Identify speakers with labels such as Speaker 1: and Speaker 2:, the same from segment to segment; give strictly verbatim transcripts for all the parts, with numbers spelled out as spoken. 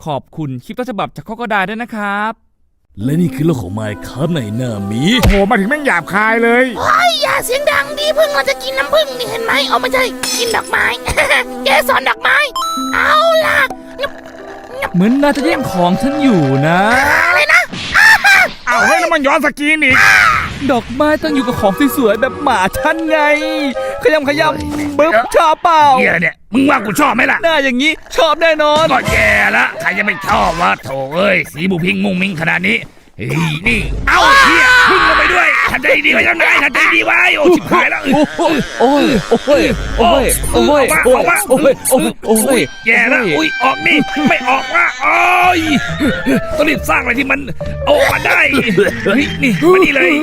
Speaker 1: ขอบคุณคลิปต้นฉบับจากข้อกระดาษด้วยนะครับ
Speaker 2: และนี่คือโลกของไมค์ครับในหน้ามี
Speaker 3: โอ้โหมาถึงแม่งหยาบคายเลย
Speaker 4: โอ้ยอย่าเสียงดังดิพึ่งเราจะกินน้ำพึ่งนี่เห็นไหมเอาไม่ใช่กินดอกไม้ แกสอนดอกไม้เอาล่ะ
Speaker 1: เหมือนน่าจะแย่งของฉันอยู่นะ
Speaker 4: อะไรนะ
Speaker 3: เอาให้แล้วมันย้อนสกีนอีก
Speaker 1: ดอกไม้ต้องอยู่กับของสวยๆแบบหมาฉันไงขยำขยำบึ๊บชอบเปล่า
Speaker 3: เฮียเนี่ยมึงว่ากูชอบไหมล่ะ
Speaker 1: หน้าอย่างนี้ชอบแน่นอน
Speaker 3: ก็แย่ละใครจะไม่ชอบวะโถเอ้ยสีบูพิงมุ้งมิ้งขนาดนี้เฮ้ยนี่เอาเฮียพึ่งลงไปด้วยทันใจดีไว้ยังไงทันใจดีไว้โอ้ชิบหายแล้ว
Speaker 1: โอ้ยโอ้ยโอ้ยโอ้ยโอ้ยโอ้ยโอ้ยโอ้ย
Speaker 3: แย่แล้วอุ้ยออกนี่ไม่ออกว่าโอ้ยต้องรีบสร้างอะไรที่มันออกมาได้นี่มานี่เลย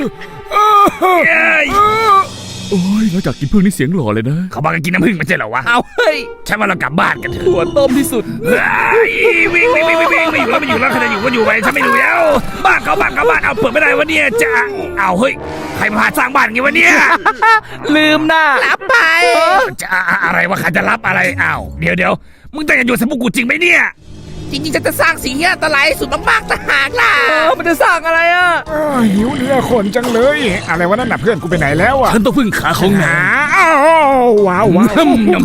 Speaker 1: โอ้ยนอกจากกินพึ่งนี่เสียงหล่อเลยนะ
Speaker 3: เขาบอกกันกินน้ำพึ่งไม่ใช่เหรอวะ
Speaker 1: เอาเฮ้ย
Speaker 3: ใช่ว่าเรากลับบ้านกันเถอะ
Speaker 1: หัวต้มที่สุด
Speaker 3: วิ่งวิ่งวิ่งวิ่งวิ่งไม่อยู่แล้วไม่อยู่แล้วใครจะอยู่ก็อยู่ไปฉันไม่อยู่แล้วบ้านเขาบ้านเขาบ้านเอาเปิดไม่ได้วะเนี่ยจะเอาเฮ้ยใครมาพาสร้างบ้านไงวะเนี่ย
Speaker 1: ลืมนะ
Speaker 4: รับไป
Speaker 3: จะอะไรวะใครจะรับอะไรอ้าวเดี๋ยวเดี๋ยวมึงตั้งใจอยู่สมุกูจริงไหมเนี่ย
Speaker 4: จริงๆจะจะสร้างสิ่งที่อันตรายสุดมากๆต่างหากล่ะ
Speaker 1: มันจะสร้างอะไรอ่ะ
Speaker 3: หิวเนื้อคนจังเลยอะไรวะนั่นน่ะเพื่อนกูไปไหนแล้วอ่ะ
Speaker 2: ฉันต้องพึ่งขาของนาย
Speaker 3: อ้าวว้าวว้าว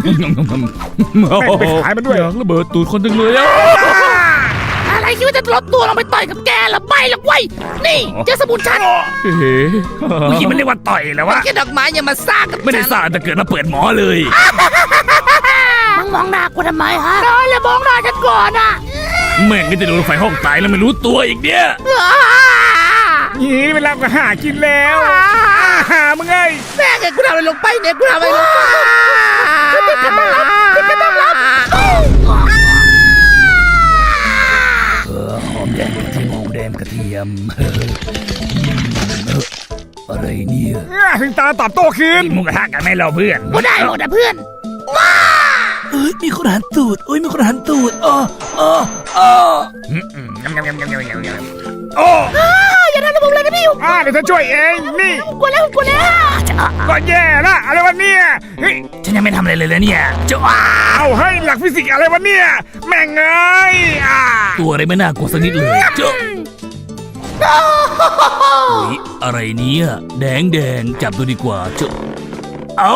Speaker 3: ไปขายมันด้วย
Speaker 1: ระเบิดตูดคนจังเลยอ่ะ
Speaker 4: อะไรคิดว่าจะลดตัวลงไปต่อยกับแกหรือไม่หรอกเว้ยนี่เจ้าสมุนฉัน
Speaker 1: เฮ้ย
Speaker 3: ผู้หญิงมันเรียกว่าต่อยแล้ววะ
Speaker 4: แค่ดอกไม้อย่ามาสร้างกับฉัน
Speaker 3: ไม่ได้สร้างแต่เกิดมาเปิดหมอเลย
Speaker 4: มึงมองหน้ากูทำไมฮะได้เลยมองหน้าฉันก่อนอ่ะ
Speaker 3: แม่งก็จะโดนไฟห้องตายแล้วไม่รู้ตัวอีกเนี่ยนี่เวลาก็หากินแล้วหามึงไง
Speaker 4: แม่งไงกูทำอะไรลงไปเนี่ยกูทำอะไรลงไปฉันจะต้องรับฉันจะต้องรับ
Speaker 2: หอมแดงกระเทียมหอมแดงกระเทียมอะไรเนี่ย
Speaker 3: ถึงตาตอบโต้คืนมึงกระทะกันไหมเราเพื่อน
Speaker 4: กูได้หมดนะเพื่อนว้า
Speaker 2: เอ้ยมีคนหันตูดโอ้ยมีคนหันตูดอ๋ออ๋ออ๋อ
Speaker 3: โอ้
Speaker 4: อย่าทำระบบเลยนะพี่อยู่
Speaker 3: อ่าเดี๋ยวฉันช่วยเองนี่
Speaker 4: กลัวแล้วกลัวแล้ว
Speaker 3: ก็แย่ละอะไรวะเนี่ยเฮ้ย
Speaker 2: ฉันยังไม่ทำอะไรเลยเลยเนี่ย
Speaker 3: จะว้าวเฮ้ยหลักฟิสิกส์อะไรวะเนี่ยแม่งเอ้ยอ่า
Speaker 2: ตัวอะไรไม่น่ากลัวสักนิดเลยเจ้าอะไรเนี่ยแดงแดงจับตัวดีกว่าเจ้าเอา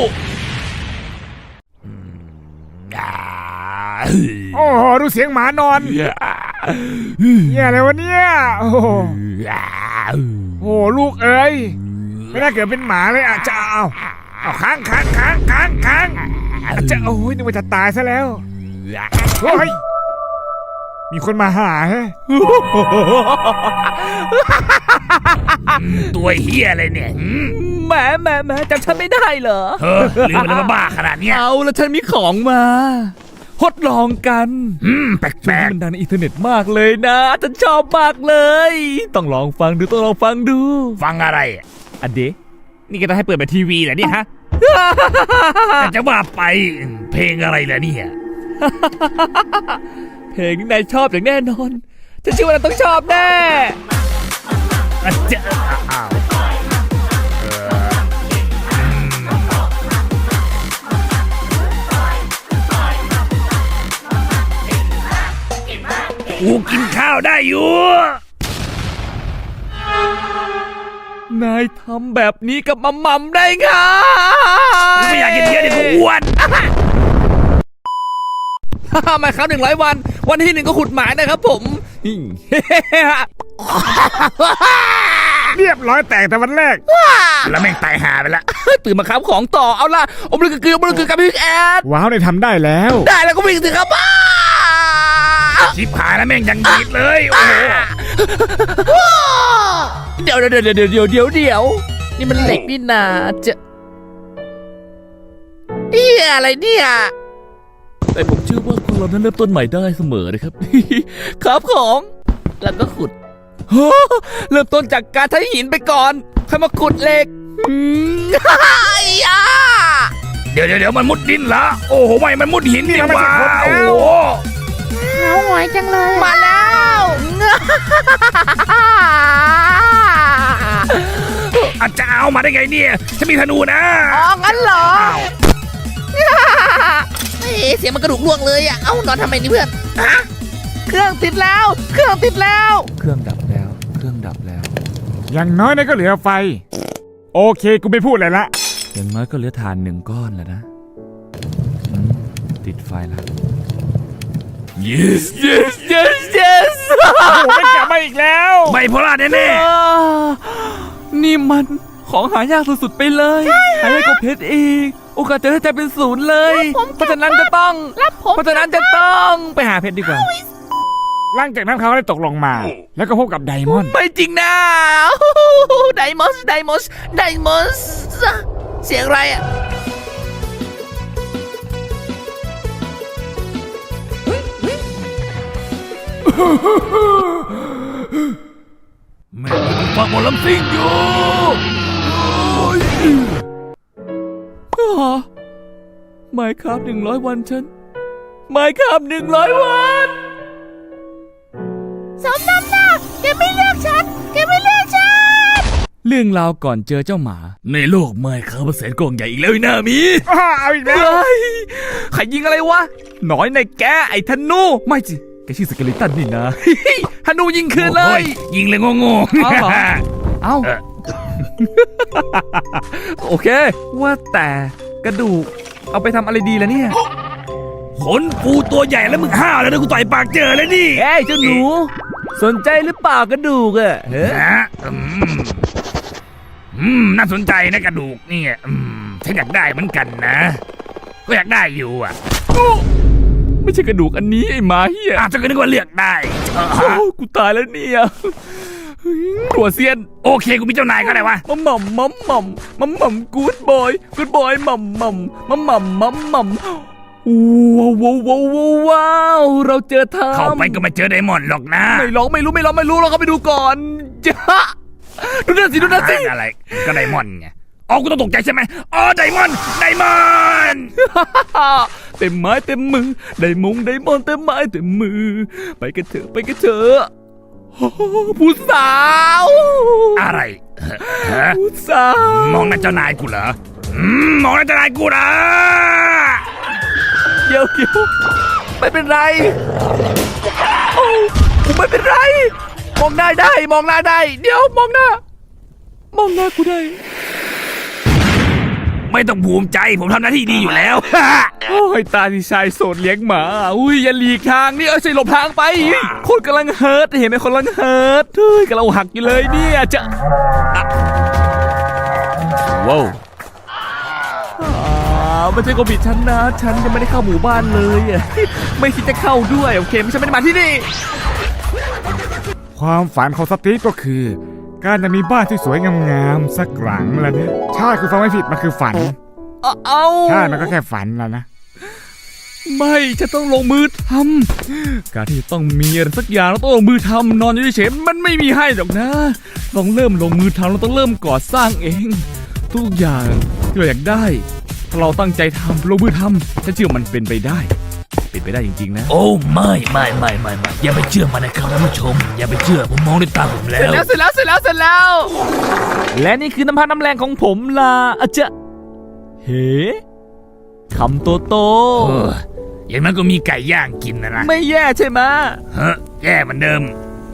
Speaker 3: โอ้ดูเสียงหมานอนเนี่ยอะไรวะเนี่ยโอ้โหลูกเอ้ยไม่น่าเกิดเป็นหมาเลยอ่ะจะเอาเอาค้างค้างค้างค้างค้างจะโอ้ยนึกว่าจะตายซะแล้วเฮ้ยมีคนมาหาฮะตัวเฮียอะไรเนี่ย
Speaker 1: แหมแหมแหมจำฉันไม่ได้เหรอ
Speaker 3: เฮ้ยลืมไปแล้วว่าบ้าขนาดนี้
Speaker 1: เอาแล้วฉันมีของมาทดลองกัน
Speaker 3: อืมแปลกๆ
Speaker 1: มันดังในอินเทอร์เน็ตมากเลยนะฉันชอบมากเลยต้องลองฟังดูต้องลองฟังดู
Speaker 3: ฟังอะไร
Speaker 1: อันเดนี่ก็จะให้เปิดแบบทีวีเหรอเนี่ยฮะ
Speaker 3: จะว่าไปเพลงอะไรล่ะเนี่ย
Speaker 1: เพลงที่นายชอบอย่างแน่นอนฉันเชื่อว่าเราต้องชอบแน่
Speaker 3: จะอ้าวกูกินข้าวได้อยู่
Speaker 1: นายทำแบบนี้กับมัมมัมได้ไง
Speaker 3: ไม่อยากกินเยอะเดี๋ยวกูอ้วน
Speaker 1: ฮ่ามาครับหนึ่งร้อยวันวันที่หนึ่งก็ขุดหมายนะครับผม
Speaker 3: เรียบร้อยแตกแต่วันแรกแล้วแม่งตายหาไปละ
Speaker 1: ตื่นมาครับของต่อเอาล่ะอมลึกกึกอมลึกกึกกับพี่แอด
Speaker 3: ว้าวได้ทำได้แล้ว
Speaker 1: ได้แล้วก็วิ่งสิครับ
Speaker 3: ชิบหายแล้วแม่งยังดีดเลยโอ้โห
Speaker 1: เดี๋ยวเดี๋ยวเดี๋ยวเดี๋ยวเดี๋ยวเดี๋ยวเดี๋ยวนี่มันเหล็กนี่นาจะเอี่ยอะไรเนี่ยแต่ผมเชื่อว่าคนเรานั้นเริ่มต้นใหม่ได้เสมอนะครับครับของแล้วก็ขุดเริ่มต้นจากการใช้หินไปก่อนค่อยมาขุดเหล็ก
Speaker 3: เดี๋ยวเดี๋ยวเดี๋ยวมันมุดดินละโอ้โหไม่มันมุดหินนี่มาโอ้โห
Speaker 4: เหงาหงอยจังเลย
Speaker 1: มาแล้ว
Speaker 3: อาจจะเอามาได้ไงเนี่ยจะมีธนูนะ
Speaker 4: อ๋องั้นเหรอเอ๊ะเสียงมันกระดูกล่วงเลยอ่ะเอ้านอนทำไมนี่เพื่อนฮะคื
Speaker 1: รื่องติดแล้ว เครื่องติดแล้ว เครื่องดับแล้ว เครื่องดับแล้ว
Speaker 3: อย่างน้อยนะก็เหลือไฟ โอเคกูไม่พูดเลยละ
Speaker 1: อย่างน้อยก็เหลือถ่านหนึ่งก้อนแล้วนะอืมติดไฟแล้ว
Speaker 2: yes
Speaker 1: yes yes yes
Speaker 3: โอ้โหไม่กลับมาอีกแล้ว
Speaker 2: ไบโพล่าแน่
Speaker 1: อ่านี่มันของหายากสุดๆไปเลยหายากกว่าเพชรอีก โอกาสจะได้ใจเป็นศูนย์เลย เพราะฉะนั้นจะต้อง
Speaker 4: รับผม
Speaker 1: เพราะฉะนั้นจะต้องไปหาเพชรดีกว่า
Speaker 3: หลังจากนั้นเขาได้ตกลงมา แล้วก็พบกับไดมอนด์
Speaker 1: ไม่จริงนะ
Speaker 4: ไดมอนส์ไดมอนส์ไดมอนส์เสียงอะไรอ่ะ
Speaker 2: ๆแม่งฟังหมอลำซิ่งอยู่
Speaker 1: ไมค์ครับหนึ่งร้อยวันฉันไมค์ครับหนึ่งร้อยวัน
Speaker 4: สมน้ำหน้าแกไม่เลือกฉันแกไม่เลือกฉัน
Speaker 1: เรื่องราวก่อนเจอเจ้าหมา
Speaker 2: ในโลกไม่ครับแสนกล่องใหญ่อีกแล้วไอ้หน้ามี
Speaker 3: อ้าวเอาอีกแล้ว
Speaker 1: เฮ้ยใครยิงอะไรวะหน้อยในแกไอ้ธนู ไม่จิแกชื่อสเกลิตันนี่นะ ธนูยิงคืนเลย
Speaker 2: โอ้ยยิงเลยโง่ๆ
Speaker 1: เอาเหรอ เอ้า
Speaker 2: เออ
Speaker 1: โอเค ว่าแต่กระดูกเอาไปทำอะไรดีล่ะเนี่ย
Speaker 2: ขนปูตัวใหญ่แล้วมึงห้าวแล้วนะกูต่อยปากเจอแล้วนี่
Speaker 1: เอ้ยเจ้าหนู สนใจหรือเปล่ากระดูกอะเฮ้ย
Speaker 2: ฮะอืมอืมน่าสนใจนะกระดูกเนี่ยอืมฉันอยากได้เหมือนกันนะก็อยากได้อยู่อ่ะ
Speaker 1: ไม่ใช่กระดูกอันนี้ไอ้หมาเหี้ย
Speaker 2: อาจจะก็นึกว่าเลือกได้เออ
Speaker 1: โอ้กูตายแล้วเนี่ยหัวเซียน
Speaker 2: โอเคกูมีเจ้านายก็ได้วะ
Speaker 1: มัมมัมมัมมัมมัมมัมกูดบอยกูดบอยมัมมัมมัมมัมมัมมัมว้าวว้าวว้าวว้าวเราเจอทาง
Speaker 2: เข้าไปก็ไม่เจอไดมอนด์หรอกนะ
Speaker 1: ไม่ร้องไม่รู้ไม่ร้องไม่รู้เราก็ไปดูก่อนจ้าดูนั่นสิดูนั่นสิ
Speaker 2: อะไรก็ไดมอนด์ไงอ๋อกูต้องตกใจใช่ไหมอ๋อไดมอนด์ไดมอนด์
Speaker 1: เต็มไม้เต็มมือได้มงได้มอนเต็มไม้เต็มมือ ไปกันเถอะไปกันเถอะโอ้โหผู้สาว
Speaker 2: อะไรฮะ
Speaker 1: ผู้สาว
Speaker 2: มองหน้าเจ้านายกูเหรออืมมองหน้าเจ้านายกูเหรอ
Speaker 1: เดี๋ยวเดี๋ยวไม่เป็นไรโอ้กูไม่เป็นไร มองหน้าได้มองหน้าได้ เดี๋ยวมองหน้า มองหน้ากูได้
Speaker 2: ไม่ต้องภูมิใจผมทำหน้าที่ดีอยู่แล้ว
Speaker 1: โอ้ยตาที่ชายโสดเลี้ยงหมาอุ้ยอย่าหลีกทางนี่เอ้ยใช่หลบทางไปคนกำลังเฮิร์ตเห็นไหมคนกำลังเฮิร์ตเฮ้ยกำลังหักอยู่เลยเนี่ยจะอ่ะว้าวอ่าไม่ใช่โควิดฉันนะฉันยังไม่ได้เข้าหมู่บ้านเลยอ่ะไม่คิดจะเข้าด้วยโอเคไม่ใช่ไม่ได้มาที่นี่
Speaker 3: ความฝันของสตีฟก็คือ การจะมีบ้านที่สวยงามๆสักหลังแล้วเนี่ยใช่คือฟังไม่ผิดมันคือฝัน
Speaker 1: เอาเอา
Speaker 3: ใช่มันก็แค่ฝันแล้วนะ
Speaker 1: ไม่ฉันต้องลงมือทำการที่ต้องมีอะไรสักอย่างเราต้องลงมือทำนอนอยู่เฉยๆมันไม่มีให้หรอกนะต้องเริ่มลงมือทำเราต้องเริ่มก่อสร้างเอง ทุกอย่างที่เราอยากได้ถ้าเราตั้งใจทำลงมือทำฉันเชื่อมันเป็นไปได้ เป็นไปได้จริงๆนะ
Speaker 2: โอ้ไม่ไม่ไม่ไม่ไม่อย่าไปเชื่อมันนะครับท่านผู้ชม อย่าไปเชื่อผมมองด้วยตาผมแล้
Speaker 1: เสร็จ
Speaker 2: ว
Speaker 1: แล้วเสร็จแล้วเสร็จแล้วเสร็จแล้ว และนี่คือน้ำพักน้ำแรงของผมล่ะอาจจะเฮ้คำโตโต
Speaker 2: เอออย่างนั้นก็มีไก่ย่างกินนะนะ
Speaker 1: ไม่แย่ใช่ไหม
Speaker 2: เฮ้ยแย่เหมือนเดิม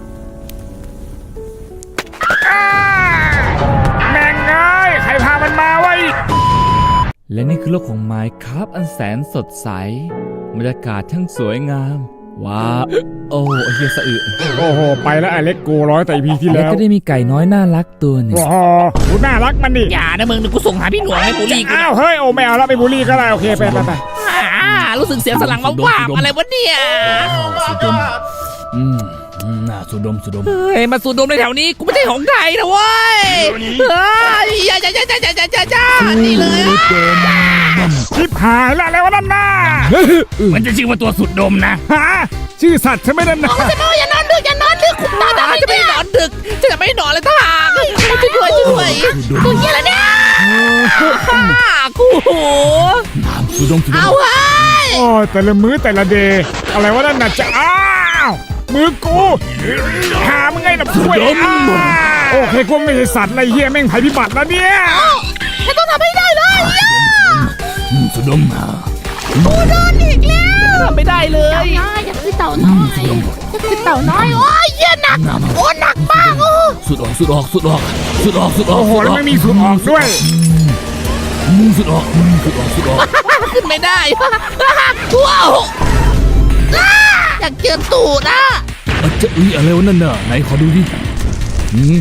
Speaker 3: แม่งเอ้ยใครพามันมาไว้
Speaker 1: และนี่คือโลกของไมค์ครับอันแสนสดใสบรรยากาศทั้งสวยงาม ว้าวโอ้ไอ้เฮียสะอึก
Speaker 3: โอ้โหไปแล้วไอเล็กโกร้อยแต่พีที่
Speaker 1: แล้
Speaker 3: แล้ว ว
Speaker 1: ก็ได้มีไก่น้อยน่ารักตัวหนึ่ง
Speaker 3: โอ้โหดูน่ารักมันดิ
Speaker 4: อย่านะมึงเดี๋ยวกูส่งหาพี่หนวงให้บูลลี่กู
Speaker 3: อ้าวเฮ้ยโอ้ไม่เอาแล้วไปบูลลี่ก็ได้โอเคไปไปไป
Speaker 4: อ่ารู้สึกเสียงสลังมาว่าบอะไรวะเนี่ย
Speaker 2: สุดมอืมอืมน่าสุดมสุดม
Speaker 4: เฮ้ยมาสูดดมในแถวนี้กูไม่ใช่ของไทยนะเว้ยเฮ้ยอย่าอย่าอย่าอย่าอย่าอย่าอย่าอย่านี่เลย
Speaker 3: ชิบหายแล้วอะไรวะนั่นน่ะ
Speaker 2: มันจะชื่อว่าตัวสุดดมนะ
Speaker 3: ฮะชื่อสัตว์ใช่ไหมนั่นน่ะ
Speaker 4: จะนอนอย่านอนดึกอย่านอนดึกคุมตาตาจะไม่นอนดึกจะไม่นอนเลยท่าช่วยช่วยช่วยตัวเหี้ยอะไรเนี่ยกู
Speaker 2: สุดมสุดม
Speaker 4: เอาเฮ้ย
Speaker 3: โอ้ยแต่ละมื้อแต่ละเดย์อะไรวะนั่นน่ะจะอ้าวมือกูหามึงไงล่ะช่วยอ้าวโอเคกูไม่ใช่สัตว์อะไรเหี้ยแม่งภัยพิบัติแล้วเนี่ย
Speaker 4: ฉันต้องทำให้ได้เลย
Speaker 2: อืมสุดมอ่ะ
Speaker 4: กูโดนอีกแล้วทำไม่ได้เลย
Speaker 5: น้อยจะคือเต่าน้อยจะคือเต่าน้อยโอ้ยเหี้ยหนักโอ้หนักมากโอ้
Speaker 1: สุดออกสุดออกสุดออกสุดออกสุดออก
Speaker 3: โอ้โหแล้วไม่มีสูตรออกด้วย
Speaker 1: มึงสุดออกมึงสุดออกสุดออก
Speaker 4: ขึ้นไม่ได้ว้าวอยากเจอตูดอ่ะ
Speaker 1: อาจจะอุ้ยอะไรวะนั่นน่ะไหนขอดูดิอืม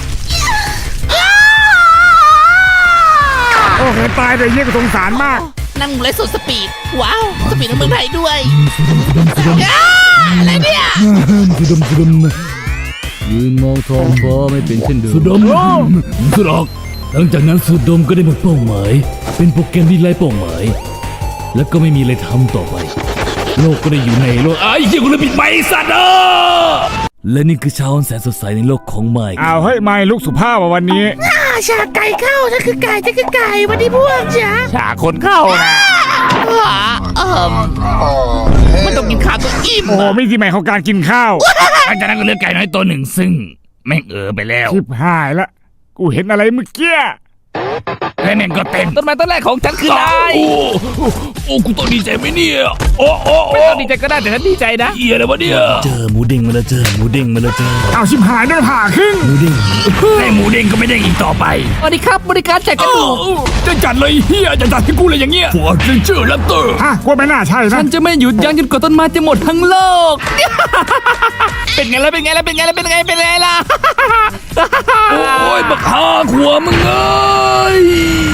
Speaker 3: โอ้โหตายเลยเยี่ยกสงสารมาก
Speaker 4: นั่งไรสดสปีดว้าวสปีดในเมืองไทยด้วย
Speaker 1: สุดดำสุดดำ
Speaker 4: อ้าอะไรเนี่ย
Speaker 1: สุดดำสุดดำยืนมองท้องฟ้าไม่เป็นเช่นเดิมสุดดำสุดออกหลังจากนั้นสุดดำก็ได้หมดเป้าหมายเป็นโปรแกรมที่ไร้เป้าหมาย แล้วก็ไม่มีอะไรทำต่อไป โลกก็ได้อยู่ในโลกไอ้เหี้ยกูเลยปิดไมค์สัตว์เออและนี่คือเช้าอันแสนสดใสในโลกของไมค์
Speaker 3: อ้าวเฮ้ยไม่ลูกสุภาพว่ะวันนี้
Speaker 4: อ่าชาไก่เข้าฉันคือไก่ฉันคือไก่วันนี้พวกจ๋า
Speaker 2: ฉาคนเข้านะ
Speaker 4: อ่าเอ่มมันต้องกินข้าวต้องอิ่ม
Speaker 3: โอ้โห
Speaker 4: อะ
Speaker 3: ไม่ที่ใหม่ของการกินข้าว
Speaker 2: หลังจากนั้นก็เลือกไก่น้อยตัวหนึ่งซึ่งแม่งเออไปแล้ว
Speaker 3: ชิบหายละกูเห็นอะไรเมื่อกี้
Speaker 2: และแม่งก็เต้น
Speaker 1: ต้นไม้ต้นแรกของฉันคือนาย
Speaker 2: โอ้โอ้กูต้องดีใจไหมเนี่ยโอ้โอ้
Speaker 1: ไม่
Speaker 2: โอ้
Speaker 1: ต้องดีใจก็ได้แต่ฉันดีใจนะ
Speaker 2: เหี้ยอะไรวะเนี่ย
Speaker 1: เจอหมูเด้งมาแล้วเจอหมูเด้งมาแล้วเจอ
Speaker 3: เอาชิบหายด้วยผ่าครึ่ง
Speaker 1: หมูเด้ง
Speaker 2: ให้หมูเด้งก็ไม่เด้งอีกต่อไป
Speaker 1: สวัสดีครับบริการแจกกระดูก
Speaker 2: จะจัดเลยเฮียจะจัดให้กูเลยอย่างเงี้ยฟอร์ดเรนเจอร์แรปเตอร์
Speaker 3: ฮะกูไม่น่าใช่นะ
Speaker 1: ฉันจะไม่หยุดยั้งจนกว่าต้นไม้จะหมดทั้งโลก เป็นไงล่ะเป็นไงล่ะเป็นไงล่ะเป็นไงเป็นไงล่ะ
Speaker 2: โอ้ยบักฮาขัวมึงเอ้ย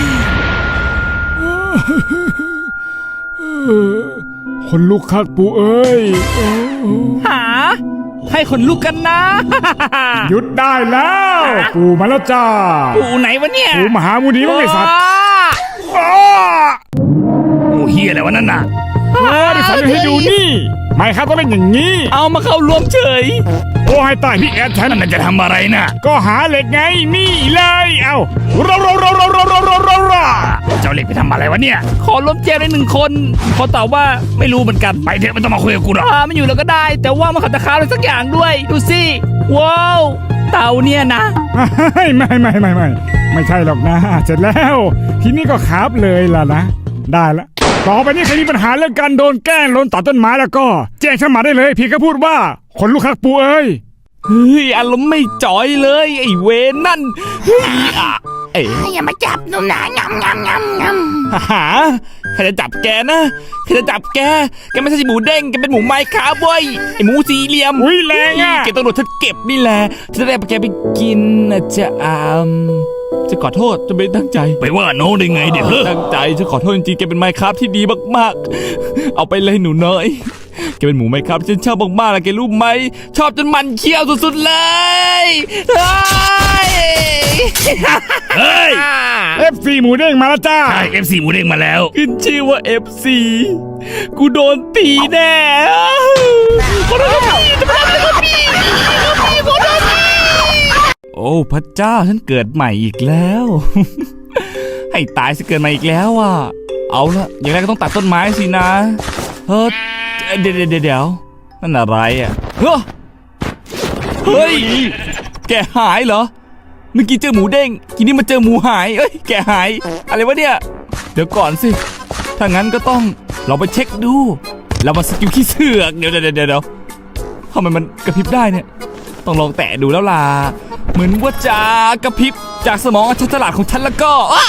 Speaker 3: คนลุกคักปูเอ้ยโอ้
Speaker 1: หา ให้คนลุกกันนะ
Speaker 3: หยุดได้แล้ว ปูมาแล้วจ้า
Speaker 1: ปู่ไหนวะเนี่ย
Speaker 3: ปูมหามูนีมั้งไอสัตว์
Speaker 1: ว้า
Speaker 3: อ้า
Speaker 2: โอ้เฮียอะไรวะนั่นน่ะ
Speaker 3: เออดิสันให้ดูนี่ ไม่ครับต้องเป็นอย่างนี้
Speaker 1: เอามาเข้ารวมเฉย
Speaker 3: โอ้ให้ตายพี่แอดฉัน
Speaker 2: นั่นนะจะทำอะไรน่ะ
Speaker 3: ก็หาเหล็กไงนี่เลย เอาเราเราเราเราเราเราเราเรา
Speaker 2: เจ้าเหล็กไปทำอะไรวะเนี่ย
Speaker 1: ขอรวมแจมในหนึ่งคนขอตอบว่าไม่รู้เหมือนกัน
Speaker 2: ไปเถอะไม่ต้องมาคุยกับกูหรอก
Speaker 1: อ่าไม่อยู่แล้วก็ได้ แต่ว่ามันขัดตะขาอะไรสักอย่างด้วย ดูสิว้าวเต่าเนี่ยนะ
Speaker 3: ไม่ไม่ไม่ไม่ไม่ไม่ใช่หรอกนะ เสร็จแล้ว ทีนี้ก็คาบเลยล่ะนะ ได้ละต่อไปนี้ใครมีปัญหาเรื่องการโดนแกล้งโดนตัดต้นไม้แล้วก็แจ้งฉันมาได้เลยเพียงแค่พูดว่าคนลูกคักปูเอ้ย
Speaker 1: เฮ้ยอารมณ์ไม่จอยเลยไอ้เวนนั่นเฮ้ยอ่ะเอ๋
Speaker 5: อย่ามาจับหนูนะงำงำงำงำ
Speaker 1: หาใครจะจับแกนะใครจะจับแกแกไม่ใช่หมูเด้งแกเป็นหมูไม้ขาบเว้ยไอ้หมูสี่เหลี่ยม
Speaker 3: อุ๊ยแรงอะ
Speaker 1: แกต้องโดนฉันเก็บนี่แหละฉันจะได้แกไปกินนะจ๊ะอามจะขอโทษจะไม่ตั้งใจ
Speaker 2: ไปว่าน้องได้ไงเดี๋ยวเฮ้อ
Speaker 1: ตั้งใจฉันขอโทษจริงๆแกเป็นไมค์ครับที่ดีมากๆ เอาไปเลยหนูน้อยแกเป็นหมูไมค์ครับที่ฉันชอบมากๆแล้วแกรู้ไหมชอบจนมันเคี้ยวสุดๆเลยเฮ้ย
Speaker 2: เฮ้ย
Speaker 3: เอฟซีหมูเด้งมาแล้วจ้า
Speaker 2: ใช่ เอฟ ซี หมูเด้งมาแล้ว
Speaker 1: ขึ้นชื่อว่า เอฟ ซี กูโดนตีแน่ขอโทษครับพี่จะไม่ทำอะไรครับพี่พี่ขอโทษพี่โอ้พระเจ้าฉันเกิดใหม่อีกแล้ว ให้ตายสิเกิดใหม่อีกแล้วอ่ะเอาละอย่างแรกก็ต้องตัดต้นไม้สินะเฮ้ยเดี๋ยวเดี๋ยวเดี๋ยวนั่นอะไรอ่ะเฮ้ยเฮ้ยแกหายเหรอเมื่อกี้เจอหมูเด้งทีนี้มาเจอหมูหายเอ้ยแกหายอะไรวะเนี่ยเดี๋ยวก่อนสิถ้างั้นก็ต้องเราไปเช็คดูเรามาสกิลขี้เสือกเดี๋ยวเดี๋ยวเดี๋ยวเดี๋ยวทำไมมันกระพริบได้เนี่ยต้องลองแตะดูแล้วล่ะเหมือนว่าจะกระพริบจากสมองอันฉลาดของฉันแล้วก็อ๊ะ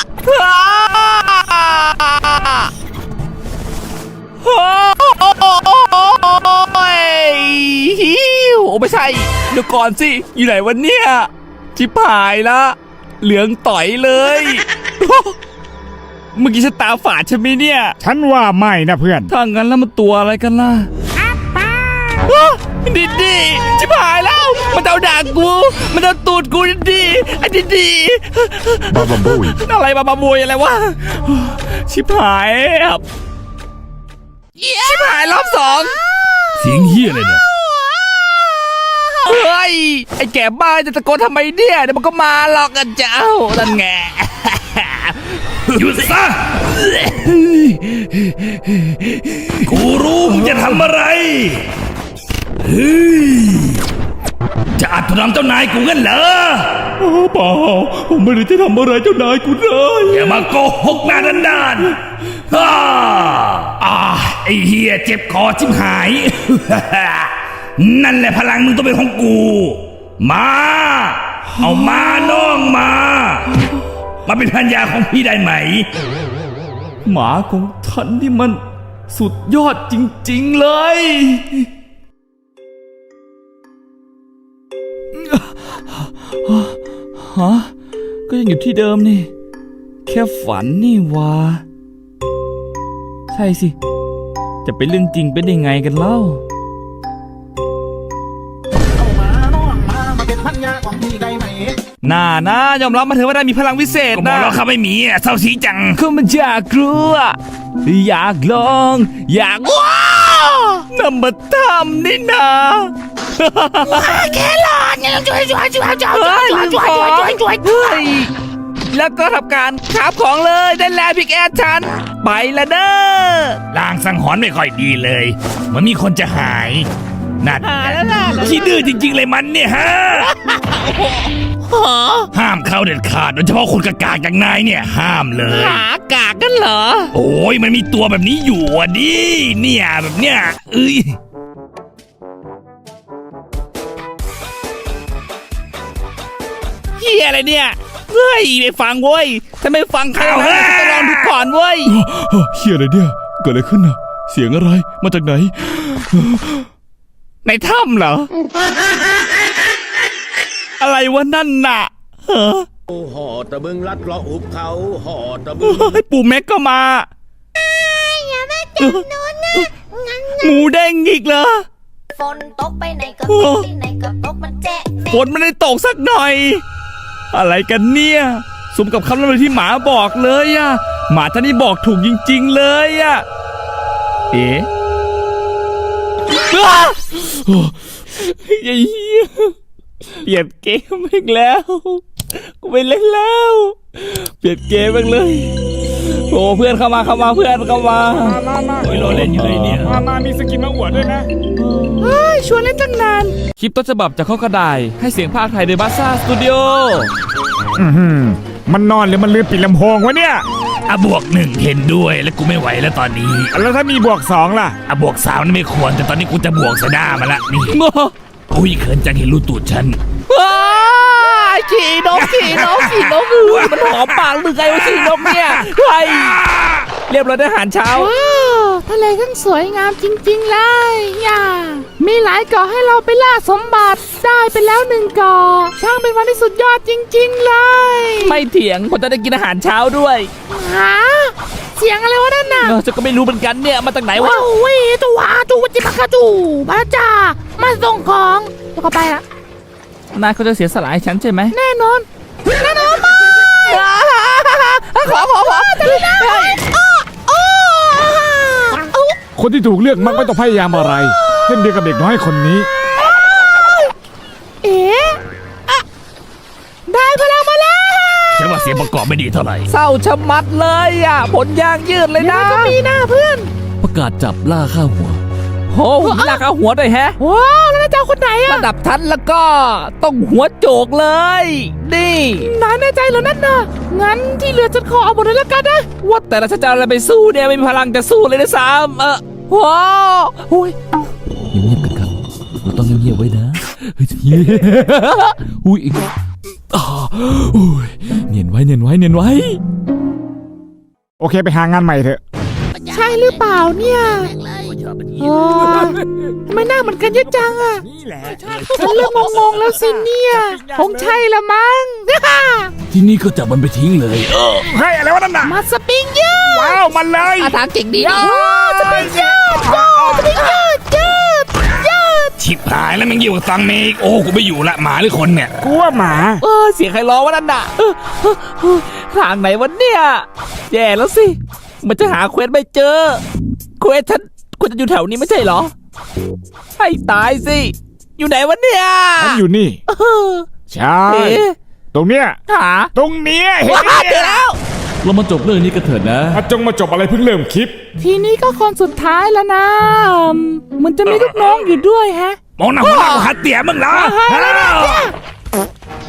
Speaker 1: โอ้ยฮิวโอ้ไม่ใช่เดี๋ยวก่อนสิอยู่ไหนวันเนี่ยชิบหายละเหลืองต่อยเลย เมื่อกี้ฉันตาฝาดใช่ไหมเนี่ย
Speaker 3: ฉันว่าไม่นะเพื่อน
Speaker 1: ถ้างั้นแล้วมันตัวอะไรกันล่ะอ้าวดิดดีชิบหายแล้ว มันเอาด่างกู มันเอาตูดกูดิดดีไอ้ดิดดี
Speaker 3: บาบาบุย
Speaker 1: อะไรบาบาบุยอะไรวะ ชิบหายครับชิบหายรอบสอง
Speaker 2: เสียงเฮียอะไรเนี่ย
Speaker 1: เฮ้ย ไอ้แก่บ้าจะตะโกนทำไมเนี่ย เดี๋ยวมันก็มาหรอกกันเจ้านั่นไง
Speaker 2: หยุดซะ กูรู้มึงจะทำอะไร เฮ้ย จะอัดทำเจ้านายกูกันเหรอ
Speaker 1: เปล่าผมไม่ได้จะทำอะไรเจ้านายกูเลย
Speaker 2: อย่ามาโกหกหน้าด้านฮ่าอ่าไอ้เฮียเจ็บคอชิบหาย นั่นแหละพลังมึงต้องเป็นของกู มา เอามาน้องมา มาเป็นพันยาของพี่ได้ไหม
Speaker 1: หมาของฉันนี่มันสุดยอดจริงๆเลยฮะก็ยังอยู่ที่เดิมนี่ แค่ฝันนี่วะใช่สิ จะเป็นเรื่องจริงเป็นยังไงกันเล่าน่านะยอมรับมาเถอะว่าได้มีพลังวิเศษ
Speaker 2: ก็บอก
Speaker 1: นะ
Speaker 2: แล้วเขาไม่มีอ่ะเศร้าสีจัง
Speaker 1: ก็มันอยากกลัว อยากลอง อยากว้าวน้ำมาทำนี่นะ
Speaker 4: แค่หลอดเนี่ยช่วยช่วยช่วยช่วยช่วยช่วยช่วยช่วยช่วยช่วย
Speaker 1: แล้วก็ทำการขับของเลยได้แล้วพิกแอดฉัน ไปละเด้อ
Speaker 2: ลางสังหรณ์ไม่ค่อยดีเลยเหมันมีคนจะหายนั่น
Speaker 1: หายแล้วล่ะ
Speaker 2: ขี้ดื้อจริงๆเลยมันเนี่ยฮะ
Speaker 4: หอ
Speaker 2: ห้ามเข้าเด็ดขาดโดยเฉพาะคนกากาอย่างนายเนี่ยห้ามเลย
Speaker 4: หากากกันเหรอ
Speaker 2: โอ้ยมันมีตัวแบบนี้อยู่อ่ะดิเนี่ยแบบเนี้ยเอ้ย
Speaker 1: เฮียอะไรเนี่ย เฮ้ยไม่ฟังเว้ย ถ้าไม่ฟังใครนะจะลองดูก่อนเว้ย
Speaker 6: เฮียอะไรเนี่ย เกิดอะไรขึ้นน่ะ เสียงอะไร มาจากไหน
Speaker 1: ในถ้ำเหรอ อะไรวะนั่นน่ะเฮ้อ
Speaker 7: ห่อตะบึงลัดเลาะหุบเขาห่อตะบึง
Speaker 1: เฮ้ยปู่แม็กก็มา
Speaker 5: อย่ามาจับหนูนะงั้น
Speaker 1: หมูเด้งอีกเหรอ
Speaker 5: ฝนตกไปไหนก็ตกที่ไหนก็ตกมันแจ๊ะ
Speaker 1: ฝนไม่ได้ตกสักหน่อย อะไรกันเนี่ยสมกับคำล่ำลือที่หมาบอกเลยอะหมาท่านนี้บอกถูกจริงๆเลยอะเอ๊ะอ้าไอ้เหี้ยเปลี่ยนเกมอีกแล้ว กูไปเล่นแล้ว เปลี่ยนเกมอีกเลย โอ้เพื่อนเข้ามาเข้ามาเพื่อนเข้ามา
Speaker 3: มามามา
Speaker 2: โอ้ยรอเล่นอยู่เลยเนี่ย
Speaker 3: มามามีสกินมาอวดด้วยนะ
Speaker 1: ชวนเล่นตั้งนาน คลิปต้นฉบับจากข้อกระดาษให้เสียงภาคไทยโดยบัสซ่าสตูดิโอ
Speaker 3: อื้อหือมันนอนหรือมันลืมปิดลำโพงวะเนี่ย
Speaker 2: อ่ะบวกหนึ่งเห็นด้วยแล้วกูไม่ไหวแล้วตอนนี้
Speaker 3: แล้วถ้ามีบวกสองล่ะ
Speaker 2: อ่ะบวกสามนี่ไม่ควรแต่ตอนนี้กูจะบวกสะด้ามาละนี่อุ้ยเขินจังเห็นรูตูดฉัน
Speaker 1: ว้ายขี่นกขี่นกขี่นกเอ้ยมันหอมปากหรือไงวะขี่นกเนี่ยไฮ้ยเรียบร้อยได้อาหารเช้า
Speaker 5: ว้าวทะเลทั้งสวยงามจริงๆเลยอย่ามีหลายเกาะให้เราไปล่าสมบัติได้ไปแล้วหนึ่งเกาะช่างเป็นวันที่สุดยอดจริงๆเลย
Speaker 1: ไม่เถียงผมจะได้กินอาหารเช้าด้วย
Speaker 5: หาเสียงอะไรวะนั่นน่ะ
Speaker 1: เออจะก็ไม่รู้เหมือนกันเนี่ยมาจากไหนวะ
Speaker 5: ว้าวเว้ยตัวจูจิมากาจูมาจ้ามาส่งของแล้วก็ไปละ
Speaker 1: นายเขาจะเสียสละให้ฉันใช่ไหม
Speaker 5: แน่นอนแน่นอนมาก
Speaker 1: ขอขอขอ
Speaker 3: คนที่ถูกเลือกมักไม่ต้องพยายามอะไร เช่นเดียวกับเด็กน้อยคนนี้
Speaker 5: เอ๊ะอะได้พลังมาแล้ว
Speaker 2: ฉันว่าเสียงประกอบไม่ดีเท่าไหร่
Speaker 1: เศร้าชะมัดเลยอ่ะผลยางยืดเลยนะ
Speaker 5: ก็มีหน้าเพื่อน
Speaker 6: ประกาศจับล่าฆ่าหัว
Speaker 1: โหหุ่นลากเอาหัวด้วยแฮะ
Speaker 5: ว้าวแล้วนายจะเอาคนไหนอะ
Speaker 1: ระดับทันแล้วก็ต้องหัวโจกเลย นี่
Speaker 5: นายแน่ใจเหรอนั่นน่ะงั้นที่เหลือฉันขอเอาหมดเลยแล้วกันนะ
Speaker 1: ว่าแต่ละฉันจะเอาอะไรไปสู้เนี่ยไม่มีพลังจะสู้เลยนะซ้ำเออว้าวโอ้ย
Speaker 6: เงียบๆกันครับ เราต้องเงียบๆไว้นะเฮ้ยเฮ้ยอุ้ยอ่าอุ้ยเนียนไว้เนียนไว้เนียนไว้
Speaker 3: โอเคไปหางานใหม่เถอะ
Speaker 5: ใช่หรือเปล่าเนี่ยโอ้ทำไมหน้าเหมือนกันเยอะจังอะฉันเริ่มงงๆแล้วสิเนี่ยคงใช่ละมั้ง
Speaker 6: ที่นี่ก็จับมันไปทิ้งเลยเออ
Speaker 3: เฮ้ยอะไรวะนั่นน่ะ
Speaker 5: มาสปริงเยอะ
Speaker 3: ว้าวมันเลย
Speaker 1: อาทางเก่งดีนี่
Speaker 5: สปริงเยอะสปริงเยอะเยอะเยอะ
Speaker 2: ชิบหายแล้วมันอยู่กับตังเมกโอ้กูไม่อยู่ละหมาหรือคนเนี่ย
Speaker 3: กูว่าหมา
Speaker 1: เออเสียงใครร้องวะนั่นน่ะเออเออเออทางไหนวะเนี่ยแย่แล้วสิมันจะหาเควสไม่เจอเควสฉันควรจะอยู่แถวนี้ไม่ใช่เหรอให้ตายสิอยู่ไหนวะเนี่ย
Speaker 3: ฉันอยู่นี่
Speaker 1: เออ
Speaker 3: ใช่
Speaker 1: เอ๊ะ
Speaker 3: ตรงเนี้ย
Speaker 1: หา
Speaker 3: ตรงเนี้ยเห็น
Speaker 1: ว้า
Speaker 3: ไหม
Speaker 1: เจอ
Speaker 3: เนี่ย
Speaker 1: แล้ว
Speaker 6: เรามาจบเรื่องนี้กันเถิดนะ
Speaker 3: มาจงมาจบอะไรเพิ่งเริ่มคลิป
Speaker 5: ทีนี้ก็คนสุดท้ายแล้วนะมันจะมีลูกน้องอยู่ด้วยแฮะ
Speaker 2: มองหน้าหัวหน้ากูหัดเตี๋ยมึงเหรอ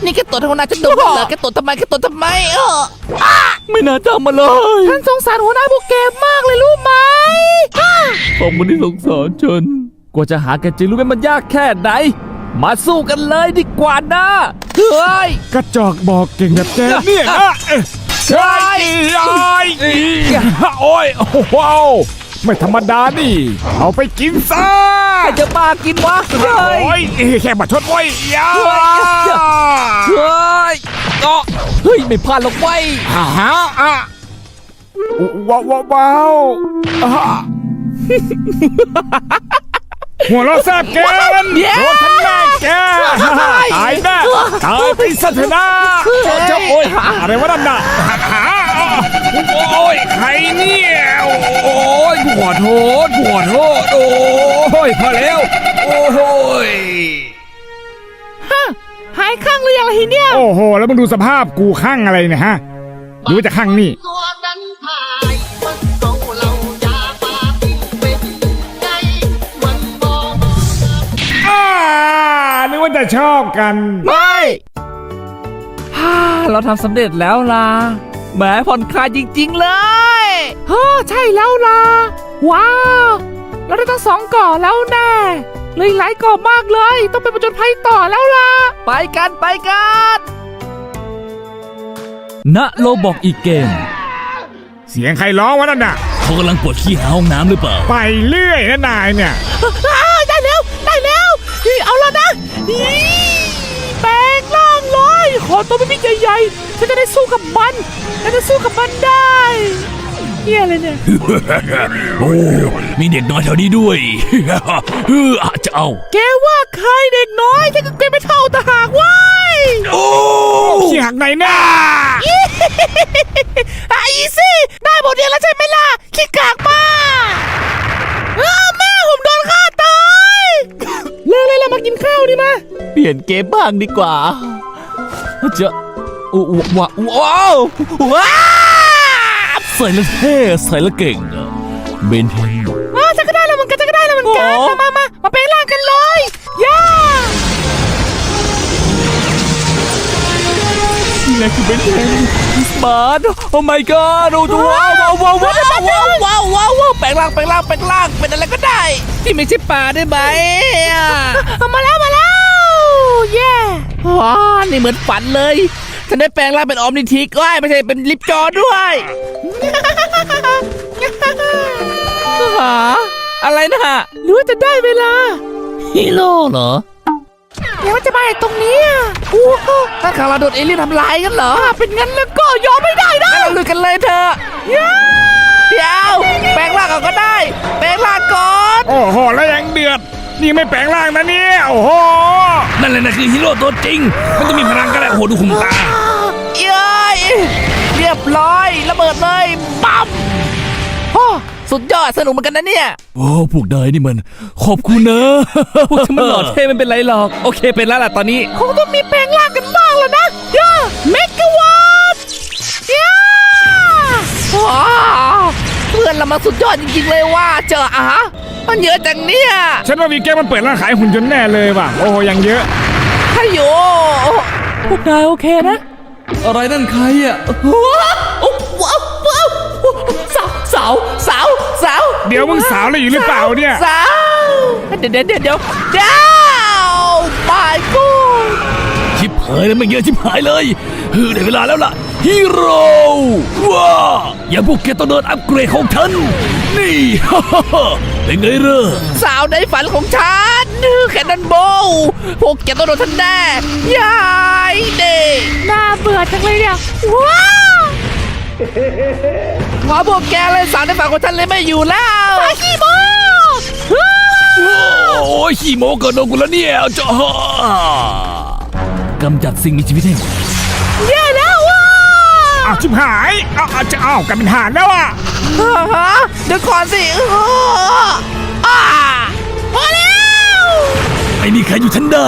Speaker 4: นี่แกตดทำไมฉันดูเหรอแกตดทำไมแกตดทำไมเออ
Speaker 1: ไม่น่าจำมาเลย
Speaker 5: ฉันสงสารหัวหน้าพวกแกมากเลยรู้ไหม
Speaker 1: ขอบคุณที่สงสารฉันกว่าจะหาแกจริงรู้ไหมมันยากแค่ไหน มาสู้กันเลยดีกว่านะเฮ้ย
Speaker 3: กระจอกบอกเก่งแบบแกเนี่ยนะเอ้ยใช่ไอ้โอ้ยโอ้โหไม่ธรรมดานี่ เอาไปกินซะ
Speaker 1: ใครจะมากินวะเฮ้ย
Speaker 3: โอ้ยแค่มาชดไว้ยา
Speaker 1: เฮ้ยก็เฮ้ยไม่พลาดหรอกเว้ย
Speaker 3: ฮะอ่ะว้าวว้าวว้าวอ่ะหัวเราะแซ่บเกินโดนทั้งแม่แกตายแน่ตายไปซะเถอะนะเจ้าโอ้ยอะไรวะนั่นน่ะหาโอ้ยใครเนี่ยโอ้ยกูขอโทษกูขอโทษโอ้ยพอแล้วโอ้ย
Speaker 5: หายข้างหรือยังล่ะทีเนี่ย
Speaker 3: โอ้โหแล้วมึงดูสภาพกูข้างอะไรเนี่ยฮะหรือว่าจะข้างนี่
Speaker 8: ตัวนั้นพายมันเอาเรายาปาปิ้งเป็นไงมันมอง
Speaker 3: อ่านึกว่าจะชอบกัน
Speaker 1: ไม่ฮ่าเราทำสำเร็จแล้วล่ะแหมผ่อนคลายจริงๆเลย
Speaker 5: เฮ้อใช่แล้วล่ะ ว้าว เราได้ทั้งสองเกาะแล้วแน่เลยหลายเกาะมากเลย ต้องไปประจนภัยต่อแล้วล่ะ
Speaker 1: ไปกันไปกัน
Speaker 6: ณโลบอกอีกเกม
Speaker 3: เสียงใครร้องวะนั่นน่ะ
Speaker 2: เขากำลังปวดขี้หาห้องน้ำหรือเปล่า
Speaker 3: ไปเรื่อยนะนายเนี่ย
Speaker 5: อ้าวได้แล้วได้แล้วนี่เอาแล้วนะนี่แปลงร่างเลยขอตัวเป็นพี่ใหญ่ๆฉันจะได้สู้กับมันฉันจะสู้กับมันได้เฮียอะไรเนี่ย
Speaker 2: โอ้ มีเด็กน้อยแถวนี้ด้วย เอออาจจะเอา
Speaker 5: แกว่าใครเด็กน้อยฉันก็แกไม่เท่าตาหากเว้ย
Speaker 2: โอ้
Speaker 3: เสียงไหนน่ะ
Speaker 5: ไอ้สิได้บทเรียนแล้วใช่ไหมล่ะขี้กากมากเออแม่ผมโดนฆ่าตายเลิกเลยเรามากินข้าวดีมา
Speaker 1: เปลี่ยนเกมบ้างดีกว่าจะว้าวว้าวว้าว
Speaker 6: ใส่แล้วเท่ใส่แล้วเก่งอะเบนเทน
Speaker 5: อ้าวฉันก็ได้แล้วเหมือนกันฉันก็ได้แล้วเหมือนกันมามามามาเป็นร่างกันเลยย่า
Speaker 1: นี่แหละคือเบนเทนสมาร์ทโอ้ my god โอ้ดูว้าวว้าวว้าวว้าวว้าวว้าวว้าวว้าวแปลงร่างแปลงร่างแปลงร่างเป็นอะไรก็ได้ ที่ไม่ใช่ปลาได้ไหมอ่ะ
Speaker 5: เอามาแล้วมาแล้วเย่
Speaker 1: ว้านี่เหมือนฝันเลยฉันได้แปลงร่างเป็นออมนิทิกว้ายไม่ใช่เป็นลิปจอด้วยหาอะไรนะ
Speaker 5: หรือว่าจะได้เวลา
Speaker 1: ฮีโร่เหรอ
Speaker 5: เดี๋ยวมันจะมาไอ้ตรงนี้อ่ะโอ้โห
Speaker 1: ถ้าข่าวเราโดนเอเลี่ยนทำลายกันเหรอ
Speaker 5: ถ้าเป็นงั้นแล้วก็ยอมไม่ได้นะ
Speaker 1: งั้นเราลุยกันเลยเถอะเดี๋ยวแปลงร่างก่อนก็ได้ แปลงร่างก่อน
Speaker 3: โอ้โหแล้วยังเดือด นี่ไม่แปลงร่างนะเนี่ยโอ้โห
Speaker 2: นั่นแหละนะคือฮีโร่ตัวจริง มันจะมีพลังก็ได้โอ้โหดูขุมตา
Speaker 1: เย้ยเรียบร้อยระเบิดเลยปั๊มโอ้สุดยอดสนุกเหมือนกันนะเนี่ย
Speaker 6: โอ้พวกนายนี่มัน ขอบคุณนะ
Speaker 1: พวกฉันมันหล่อเท่ไม่เป็นไรหรอก โอเคเป็นแล้วล่ะตอนนี้
Speaker 5: คงต้องมีแปลงร่างกันบ้างแล้วนะย่าเมกะวัตย่า
Speaker 1: ว้าวเพื่อนเรามาสุดยอดจริงๆเลยว่าเจออะฮะมันเยอะจังเนี่ย
Speaker 3: ฉันว่าวีแกมันเปิดร้านขายหุ่นยนต์แน่เลยว่ะโอ้โหยังเยอะ
Speaker 1: ขยโย
Speaker 5: พวกนายโอเคนะ
Speaker 6: อะไรนั่นใครอ่ะ
Speaker 1: ว้าวว้าวว้าวสาวสาวสาวสาว
Speaker 3: เดี๋ยวมึงสาวอะไรอยู่หรือเปล่าเนี่ย
Speaker 1: สาวเดี๋ยวเดี๋ยวเดี๋ยวเดี๋ยวเดี๋ยวไปกู
Speaker 2: ชิบหายแล้วไม่เยอะชิบหายเลยเฮ้ยได้เวลาแล้วล่ะฮีโร่ว้าอย่าพวกแกต้องโดนอัปเกรดของฉันนี่ ฮ่าฮ่าฮ่าเป็นไงเร่อ
Speaker 1: สาวในฝันของฉันแคนนอนโบว์พวกแกต้องโดนทันแน่ยายเด็ก
Speaker 5: น่าเบื่อจังเลยเนี่ยว้าว
Speaker 1: ขอพวกแกเลยสาวในฝันของฉันเลยไม่อยู่แล้ว
Speaker 5: ปาขี้โม
Speaker 2: โอ้ยขี้โมเกินโดนกูแล้วเนี่ยจ้ากำจัดสิ่งมีชีวิตให้หมด
Speaker 5: แย่แล้วว้า
Speaker 3: อ้าวชิบหายอ้าวอ้าวจะอ้าวกลายเป็นห่านแล้วอ่ะ
Speaker 1: ฮะเดี๋ยวก่อนสิเอออ่า
Speaker 5: พอแล้ว
Speaker 2: ไม่มีใครอยู่ฉันได้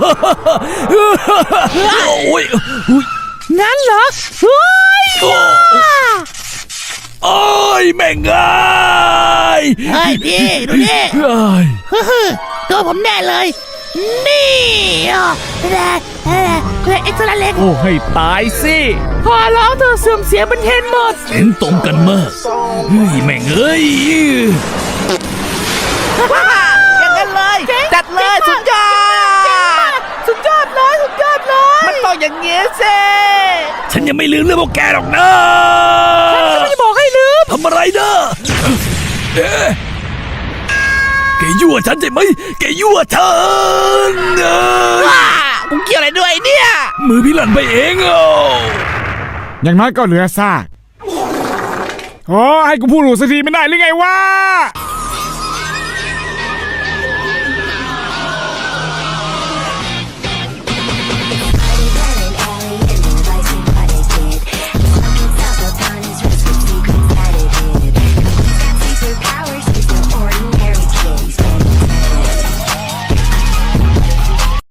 Speaker 2: โอ้ยอุ๊ย
Speaker 5: งั้นเหรอเฮ้ย
Speaker 2: โอ้โอ้ยแม่งไง
Speaker 4: เฮ้ยพี่ดูนี่
Speaker 2: เฮ้ย
Speaker 4: ตัวผมแน่เลยนี่แร่แร่แร่เอ็กซ์ตร้าเล็ก
Speaker 1: โอ้ให้ตายสิ
Speaker 5: ขอร้องเธอะเสื่อมเสียเป็นเทนหมด
Speaker 2: เห็นตรงกันมากเฮ้ยแม่งเอ้ย
Speaker 4: อย่างนั้นเลย จัดเลยสุดยอด
Speaker 5: สุดยอดเลยสุดยอดเลย
Speaker 4: มันต้องอย่างเงี้ยสิ
Speaker 2: ฉันยังไม่ลืมเรื่องพวกแกหรอกนะ
Speaker 5: ไม่ได้บอกให้ลืม
Speaker 2: ทำอะไรนะเอ๊ะแกยั่วฉันใช่ไหมแกยั่วฉันเอ้ย
Speaker 4: ว้ากูเกี่ยวอะไรด้วยเนี่ย
Speaker 2: มือพี่หลันไปเองอ่ะ
Speaker 3: อย่างน้อยก็เหลือซากโอ้ให้กูพูดหลูสักทีไม่ได้หรือไงวะ